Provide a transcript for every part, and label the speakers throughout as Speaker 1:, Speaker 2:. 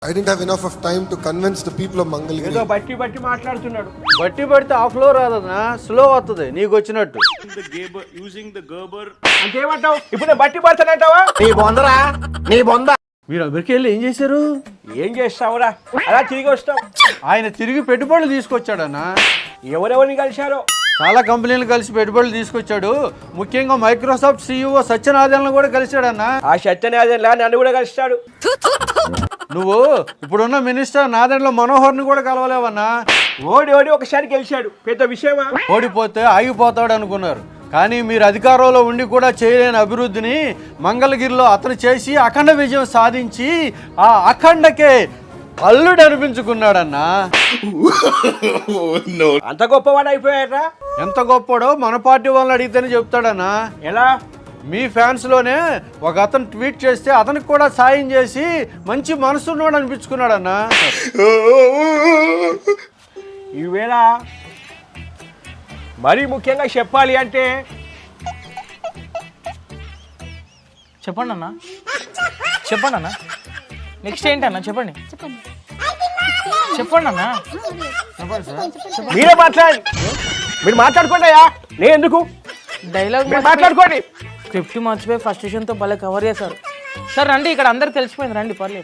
Speaker 1: I didn't have enough of time to convince the people of Mangalgiri.
Speaker 2: ఏదో బట్టి మాట్లాడుతున్నాడు.
Speaker 3: బట్టి పడితే ఆ ఫ్లో రాదన్నా, స్లో వస్తుంది నీకు వచ్చినట్టు.
Speaker 2: అంటే ఏమంటావు? ఇప్పుడు నేను బట్టి పడతానంటావా?
Speaker 3: మీరు అమెరికా వెళ్ళి ఏం చేశారు?
Speaker 2: ఏం చేస్తావురా? అలా తిరిగి వస్తాం.
Speaker 3: ఆయన తిరిగి పెట్టుబడులు తీసుకొచ్చాడన్నా.
Speaker 2: ఎవరెవరిని కలిశారో
Speaker 3: చాలా కంపెనీలు కలిసి పెట్టుబడులు తీసుకొచ్చాడు. ముఖ్యంగా మైక్రోసాఫ్ట్ CEO సత్యనారాయణను కూడా కలిశాడన్నా.
Speaker 2: ఆ సత్యనారాయణలా నన్ను కూడా కలిస్తాడు.
Speaker 3: నువ్వు ఇప్పుడున్న మినిస్టర్ నాదెండ్ల మనోహర్ని కూడా కలవలేవన్నా.
Speaker 2: ఓడి ఒకసారి గెలిచాడు, పెద్ద విషయమా?
Speaker 3: ఓడిపోతే ఆగిపోతాడు అనుకున్నారు, కానీ మీరు అధికారంలో ఉండి కూడా చేయలేని అభివృద్ధిని మంగళగిరిలో అతను చేసి అఖండ విజయం సాధించి ఆ అఖండకే అల్లుడు అనిపించుకున్నాడన్నా.
Speaker 2: అంత గొప్పవాడు అయిపోయారా?
Speaker 3: ఎంత గొప్పడో మన పార్టీ వాళ్ళని అడిగితేనే చెప్తాడన్నా.
Speaker 2: ఎలా?
Speaker 3: మీ ఫ్యాన్స్లోనే ఒక అతను ట్వీట్ చేస్తే అతనికి కూడా సాయం చేసి మంచి మనసున్నాడు అనిపించుకున్నాడన్నా.
Speaker 2: ఈవేళ మరీ ముఖ్యంగా చెప్పాలి అంటే
Speaker 4: చెప్పండి అన్న, నెక్స్ట్ ఏంటన్నా చెప్పండి అన్న.
Speaker 2: మీరే మాట్లాడండి. మీరు మాట్లాడుకోండి అయ్యా, నేను ఎందుకు?
Speaker 4: డైలాగ్
Speaker 2: మాట్లాడుకోండి.
Speaker 4: స్క్రిప్ట్ మర్చిపోయి ఫస్ట్ విషయంతో భలే కవర్ చేశారు సార్. రండి, ఇక్కడ అందరికి తెలిసిపోయింది, రండి పర్లేదు.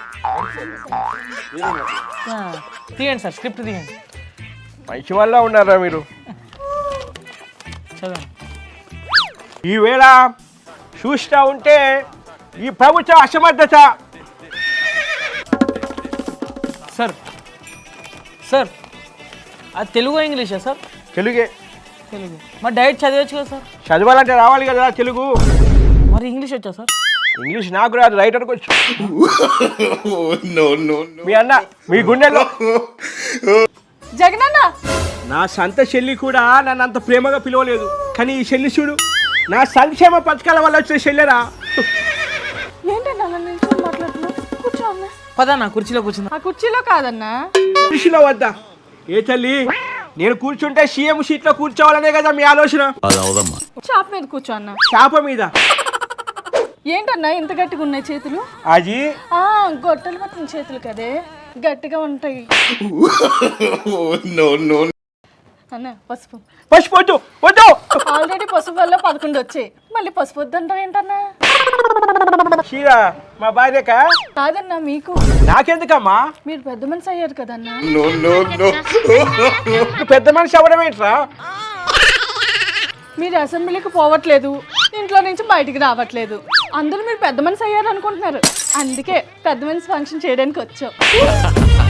Speaker 4: తీయండి సార్, స్క్రిప్ట్ తీయండి.
Speaker 2: మంచి వల్ల ఉన్నారా మీరు?
Speaker 4: చదవండి.
Speaker 2: ఈవేళ చూస్తూ ఉంటే ఈ ప్రభుత్వ అసమర్థత.
Speaker 4: సార్ అది తెలుగు ఇంగ్లీషా సార్?
Speaker 2: తెలుగే.
Speaker 4: తెలుగు. మరి డైరెక్ట్ చదివచ్చు కదా సార్?
Speaker 2: చదవాలంటే రావాలి కదా తెలుగు.
Speaker 4: మరి ఇంగ్లీష్ వచ్చా సార్?
Speaker 2: ఇంగ్లీష్ నాకు రాదు, రైటర్కి వచ్చు. మీ అన్న మీ గుండెల్లో
Speaker 5: జగనన్న
Speaker 2: నా సంత చెల్లి కూడా నన్ను అంత ప్రేమగా పిలవలేదు, కానీ ఈ చెల్లి చూడు, నా సంక్షేమ పథకాల వల్ల వచ్చిన చెల్లెరా.
Speaker 5: ఏంటన్నా నిల్చొని మాట్లాడుతున్నా? కూర్చో అన్న.
Speaker 4: పదన్నా కుర్చీలో కూర్చుందా.
Speaker 5: ఆ కుర్చీలో కాదన్నా,
Speaker 2: కృషిలో వద్దా? ఏ తల్లి, నేను కూర్చుంటే సీఎం సీట్లో కూర్చోవాలనే కదా మీ ఆలోచన?
Speaker 5: చాప మీద కూర్చో అన్న.
Speaker 2: చాప మీద?
Speaker 5: ఏంటన్నా ఇంత గట్టిగా ఉన్నాయి చేతులు?
Speaker 2: అది
Speaker 5: గొట్టలు పట్టిన చేతులు కదే, గట్టిగా ఉంటాయి. అన్న పసుపు.
Speaker 2: పసుపు వద్దు వద్దు.
Speaker 5: ఆల్రెడీ పసుపు వల్ల 11 వచ్చాయి, మళ్ళీ పసుపు వద్దంటావు ఏంటన్నా?
Speaker 2: చీరా మా భార్యక?
Speaker 5: కాదన్నా మీకు.
Speaker 2: నాకెందుకమ్మా?
Speaker 5: మీరు పెద్ద మనిషి అయ్యారు కదన్నా.
Speaker 2: పెద్ద మనిషి అవ్వడం ఏంట్రా?
Speaker 5: మీరు అసెంబ్లీకి పోవట్లేదు, ఇంట్లో నుంచి బయటికి రావట్లేదు, అందరూ మీరు పెద్ద మనిషి అయ్యారు అనుకుంటున్నారు. అందుకే పెద్ద మనిషి ఫంక్షన్ చేయడానికి వచ్చాం.